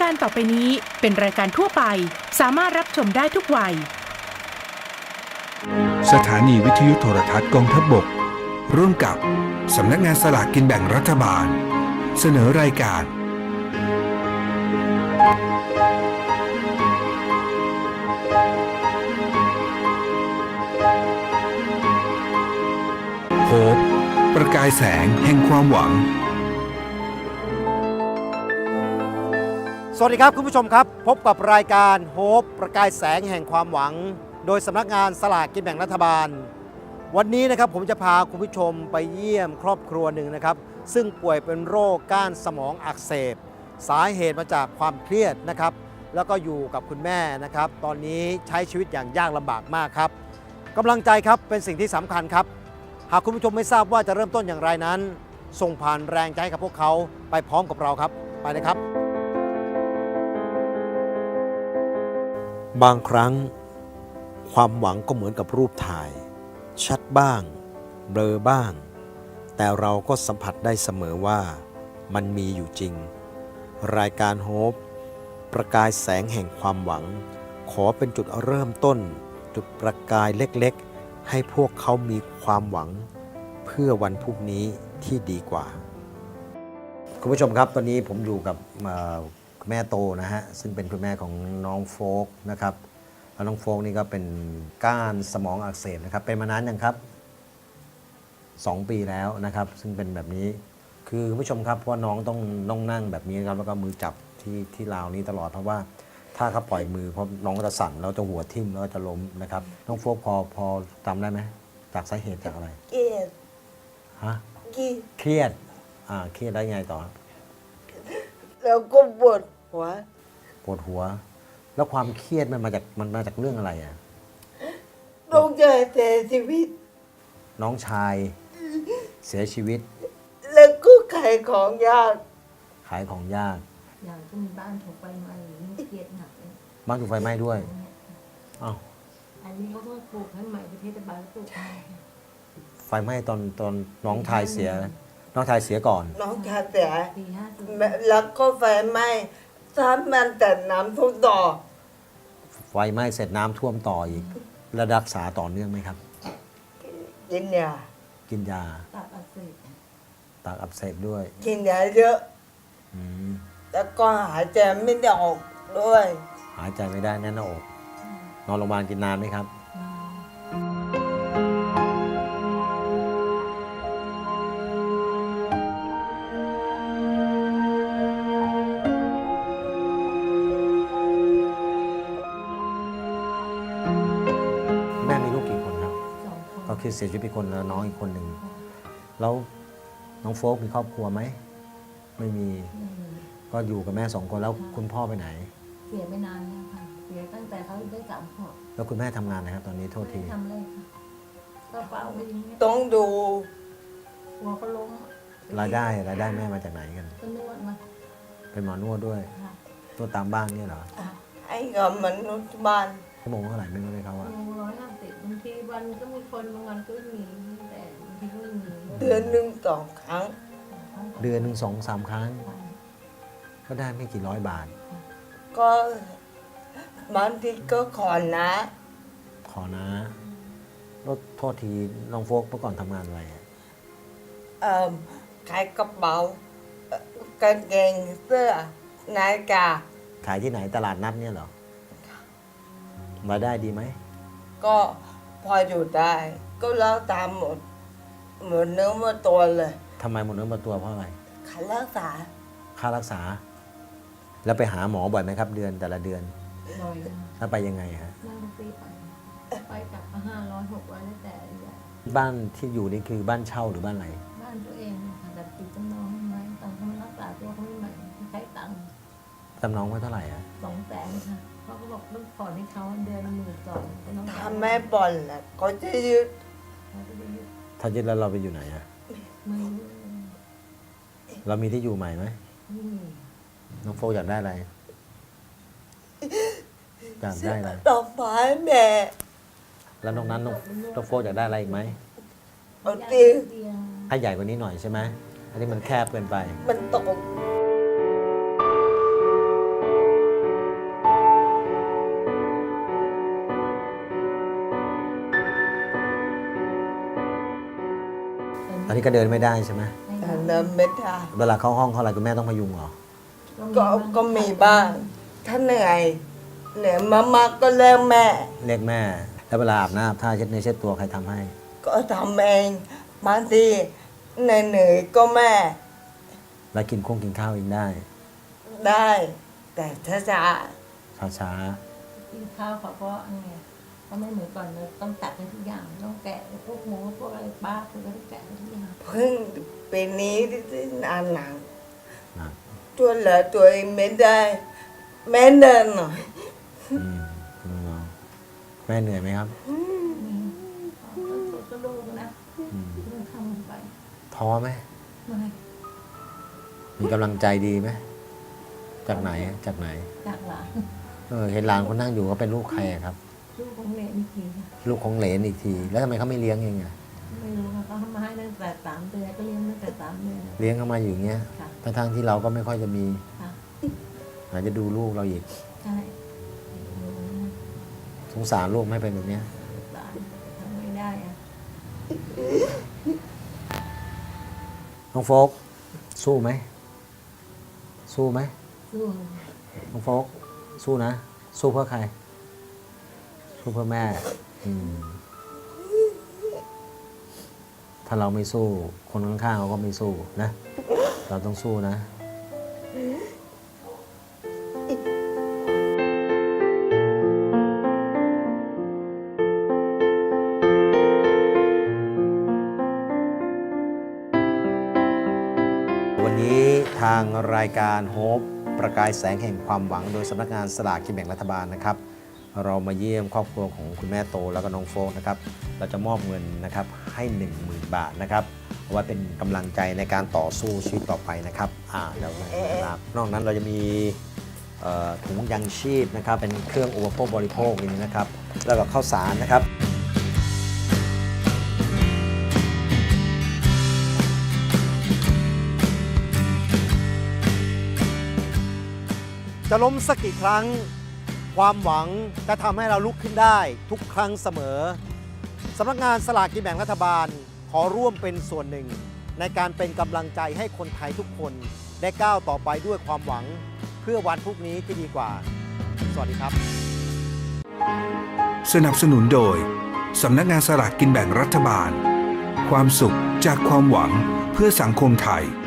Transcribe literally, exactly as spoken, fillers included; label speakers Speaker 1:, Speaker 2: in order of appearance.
Speaker 1: การต่อไปนี้เป็นรายการทั่วไปสามารถรับชมได้ทุกวัย
Speaker 2: สถานีวิทยุโทรทัศน์กองทัพบกร่วมกับสำนักงานสลากกินแบ่งรัฐบาลเสนอรายการโฮปประกายแสงแห่งความหวัง
Speaker 3: สวัสดีครับคุณผู้ชมครับพบกับรายการโฮปประกายแสงแห่งความหวังโดยสำนักงานสลากกินแบ่งรัฐบาลวันนี้นะครับผมจะพาคุณผู้ชมไปเยี่ยมครอบครัวหนึ่งนะครับซึ่งป่วยเป็นโรคก้านสมองอักเสบสาเหตุมาจากความเครียดนะครับแล้วก็อยู่กับคุณแม่นะครับตอนนี้ใช้ชีวิตอย่างยากลำบากมากครับกำลังใจครับเป็นสิ่งที่สำคัญครับหากคุณผู้ชมไม่ทราบว่าจะเริ่มต้นอย่างไรนั้นส่งผ่านแรงใจให้กับพวกเขาไปพร้อมกับเราครับไปเลยครับบางครั้งความหวังก็เหมือนกับรูปถ่ายชัดบ้างเบลอบ้างแต่เราก็สัมผัสได้เสมอว่ามันมีอยู่จริงรายการโฮปประกายแสงแห่งความหวังขอเป็นจุดเริ่มต้นจุดประกายเล็กๆให้พวกเขามีความหวังเพื่อวันพรุ่งนี้ที่ดีกว่าคุณผู้ชมครับตอนนี้ผมอยู่กับแม่โตนะฮะซึ่งเป็นคุณแม่ของน้องโฟกนะครับแล้วน้องโฟกนี่ก็เป็นก้านสมองอักเสบนะครับเป็นมานานยังครับสองปีแล้วนะครับซึ่งเป็นแบบนี้คือคุณผู้ชมครับเพราะน้องต้องต้องนั่งแบบนี้ครับแล้วก็มือจับที่ที่ราวนี้ตลอดเพราะว่าถ้าเขาปล่อยมือเพราะน้องก็จะสั่นแล้วจะหัวทิ่มแล้วก็จะล้มนะครับน้องโฟกพอพอจำได้ไหมจากสาเหตุจากอะไร
Speaker 4: เครียด
Speaker 3: ฮะ
Speaker 4: เครียด
Speaker 3: เครียดอ่าเครียดได้ไงต่อ
Speaker 4: แล้วก็ปวดหัว
Speaker 3: ปวดหัวแล้วความเครียดมันมาจากมันมาจากเรื่องอะไรอ่ะ
Speaker 4: น้องชายเสียชีวิต
Speaker 3: น้องชายเสียชีวิต
Speaker 4: แล้วก็ขายของยาก
Speaker 3: ขายของยาก
Speaker 5: อย่างที่มีบ้านถูกไฟไหม้นี่เครียดหนักเลย
Speaker 3: บ้านถูกไฟไหม้ด้วยอ้าว
Speaker 5: อันนี้เขาก็ปลูกให้ใหม่ประเทศบาลปลูกให้
Speaker 3: ไฟไหม้ตอนตอนน้องชายเสียน้องชายเสียก่อน
Speaker 4: น้องชายเสีย
Speaker 5: ปีห้าสิบ
Speaker 4: แล้วก็ไฟไหม้ถ้ามันแต่น้ำท่วมต่อ
Speaker 3: ไฟไหม้เสร็จน้ำท่วมต่ออีกแล้วรักษาต่อเนื่องไหมครับ
Speaker 4: กินยา
Speaker 3: กินยา
Speaker 5: ตับอักเสบ
Speaker 3: ตับอักเสบด้วย
Speaker 4: กินยาเยอะ
Speaker 3: อืม
Speaker 4: แล้วก็หายใจไม่ได้ออกด้วย
Speaker 3: หายใจไม่ได้แน่นหน้าอกนอนโรงพยาบาลกินนานไหมครับแม่มีลูกกี่คนครับก็คือเสียชีวิตไปคนแล้วน้องอีกคนหนึ่งแล้วน้องโฟกมีครอบครัวไหมไม่มีก็อยู่กับแม่สองคนแล้วคุณพ่อไปไหน
Speaker 5: เสียไม่นานเนี่ยค่ะเสียตั้งแต่เขาได้สามขวบ
Speaker 3: แล้วคุณแม่ทำงานนะครับตอนนี้โทษที
Speaker 5: ทำเลยค่ะก็เฝ้าไว้อย่างเงี้ย
Speaker 4: ต้องดู
Speaker 5: หัวก็ล้ม
Speaker 3: รายได้รายได้แม่มาจากไหนกัน
Speaker 5: ก็นวดมา
Speaker 3: เป็นหมอนวดด้วยนวดตามบ้านเนี่ยเหรอ
Speaker 4: ไอ้กับมนุษย์บ้าน
Speaker 3: ชั่วโมงเท่าไหร่ไม่รู้เลยเขาว่า
Speaker 5: ร้อยห้าสิบบางทีวันก็มีคนบางวันก็มีแต่บางทีก็ไม่มี
Speaker 4: เดือนหนึ่งสองครั้ง
Speaker 3: เดือนหนึ่งสองสามครั้งก็ได้ไม่กี่ร้อยบาท
Speaker 4: ก็บางทีก็ขอนะ
Speaker 3: ขอนะรถโทษทีน้องโฟกเมื่อก่อนทำงานอะไร
Speaker 4: เอ่อขายกระเป๋ากางเกงเสื้อนาฬิกา
Speaker 3: ขายที่ไหนตลาดนัดเนี่ยเหรอรายได้ดีไหม
Speaker 4: ก็พออยู่ได้ก็แล้วตามหมดหมดเนื้อหมดตัวเลย
Speaker 3: ทำไมหมดเนื้อหมดตัวเพราะอะไร
Speaker 4: ค่ารักษา
Speaker 3: ค่ารักษาแล้วไปหาหมอบ่อยไหมครับเดือนแต่ละเดือน
Speaker 5: บ่อย
Speaker 3: แล้วไปยังไงฮะ
Speaker 5: นั่งตีไปไปกลับห้าร้อยหกร้อยแล้วแต่
Speaker 3: บ้านที่อยู่นี่คือบ้านเช่าหรือบ้านอะไร
Speaker 5: บ้านตัวเองค่ะแต่ติดจำนองไม่ไหมตังค์เขารักษาตัวเขาไม่ไหวใช้ตังค์
Speaker 3: จำนองไว้เท่าไหร่อ่ะ
Speaker 5: สองแสนค่ะเขาก็บอกต้องผ่อนให้เขาเดือนหมื่นสอง
Speaker 4: ถ้าแม่ผ่อนแหละเขาจะยึด
Speaker 3: ถ้ายึดแล้วเราไปอยู่ไหนอ่ะ
Speaker 5: ไม่
Speaker 3: เรามีที่อยู่ใหม่ไหมน้องโฟอยากได้อะไรอยากได้อะไร
Speaker 4: ดอกไม้แม่
Speaker 3: แล้วน้องนั้นน้องน้องโฟอยากได้อะไรอีกไหม
Speaker 4: เอาเตียง
Speaker 3: ให้ใหญ่กว่านี้หน่อยใช่ไหมอันนี้มันแคบเกินไป
Speaker 4: มันตก
Speaker 3: นี้ก็เดินไม่ได้ใช่ไหม
Speaker 5: ไม่
Speaker 4: แต่
Speaker 5: ได้
Speaker 4: เดินไม่ได้
Speaker 3: เวลาเข้าห้องเข้าอะไรคุณแม่ต้องพยุงเหรอ
Speaker 4: ก็ก็มีบ้าง ถ้าเหนื่อยเหนื่อยมากๆก็เรียกแม่
Speaker 3: เรียกแม่ แล้วเวลาอาบน้ำอาบท่าเช็ดเนื้อเช็ดตัวใครทำให้
Speaker 4: ก็ทำเองบางทีเหนื่อยๆก็แม่
Speaker 3: แล้วกินคงกินข้าวเองได้
Speaker 4: ได้ แต่ถ้าจะ
Speaker 3: ช้า
Speaker 5: กินข้าวเขาก็ไงก็ไม่เหมือนก่อนเลยต้องตัดให้ทุกอย่างต้องแกะพวกหมูพวกอะไรบ้าคือก็ต้องแกะให้ทุกอย่าง
Speaker 4: เพิ่งปีนี้ที่นานหนัง
Speaker 3: ๆนะ
Speaker 4: ตัวเหลือตัวเองไม่ได้ แม่เดินหน่อย
Speaker 3: อืมคุณน้องแม่เหนื่อยไหมครับ
Speaker 5: มีก็ก็ลูกนะ
Speaker 3: อืม
Speaker 5: ต้องทำไป
Speaker 3: ท้อไหม
Speaker 5: ไม่
Speaker 3: มีกำลังใจดีไหมจากไหนจากไหน
Speaker 5: จากหลาน
Speaker 3: เออเห็นหลานคนนั่งอยู่ก็เป็นลูกใครอะครับ
Speaker 5: ลูกของเนยนี่ทีนะ
Speaker 3: ลูกของเหลนอีกที แล้วทำไมเขาไม่เลี้ยงเองอะ
Speaker 5: ไม่รู้ค่ะเขาทำมาให้ตั้งแต่สามเดือนก็เลี้ยงตั้งแต่สามเดือน
Speaker 3: เลี้ยงเขามาอยู่อย่างเงี้ย
Speaker 5: ค่ะ
Speaker 3: ทั้งๆที่เราก็ไม่ค่อยจะมี
Speaker 5: ค่ะ
Speaker 3: อาจจะดูลูกเราอีก
Speaker 5: ใช่
Speaker 3: สงสารลูกไม่เป็นแบบเนี้ย
Speaker 5: หลานทำไม่ได้อะ
Speaker 3: น้องโฟกสู้ไหมสู้ไหม
Speaker 5: สู้
Speaker 3: น้องโฟกสู้นะ สู้เพื่อใคร สู้เพื่อแม่อืมถ้าเราไม่สู้ คนข้างๆเขาก็ไม่สู้นะ เราต้องสู้นะ วันนี้ทางรายการโฮปประกายแสงแห่งความหวังโดยสำนักงานสลากกินแบ่งรัฐบาลนะครับ เรามาเยี่ยมครอบครัวของคุณแม่โตแล้วก็น้องโฟกนะครับ เราจะมอบเงินนะครับให้ หนึ่งหมื่น บาทนะครับเอาไว้เป็นกำลังใจในการต่อสู้ชีวิตต่อไปนะครับอ่าเดี๋ยวนะครับนอกนั้นเราจะมีเอ่อถุงยังชีพนะครับเป็นเครื่องอุปโภคบริโภคอย่างนี้นะครับ แล้วก็ข้าวสารนะครับ จะล้มสักกี่ครั้งความหวังจะทำให้เราลุกขึ้นได้ทุกครั้งเสมอสำนักงานสลากกินแบ่งรัฐบาลขอร่วมเป็นส่วนหนึ่งในการเป็นกำลังใจให้คนไทยทุกคนได้ก้าวต่อไปด้วยความหวังเพื่อวันพรุ่งนี้ที่ดีกว่า สวัสดีครับ
Speaker 2: สนับสนุนโดยสำนักงานสลากกินแบ่งรัฐบาล ความสุขจากความหวังเพื่อสังคมไทย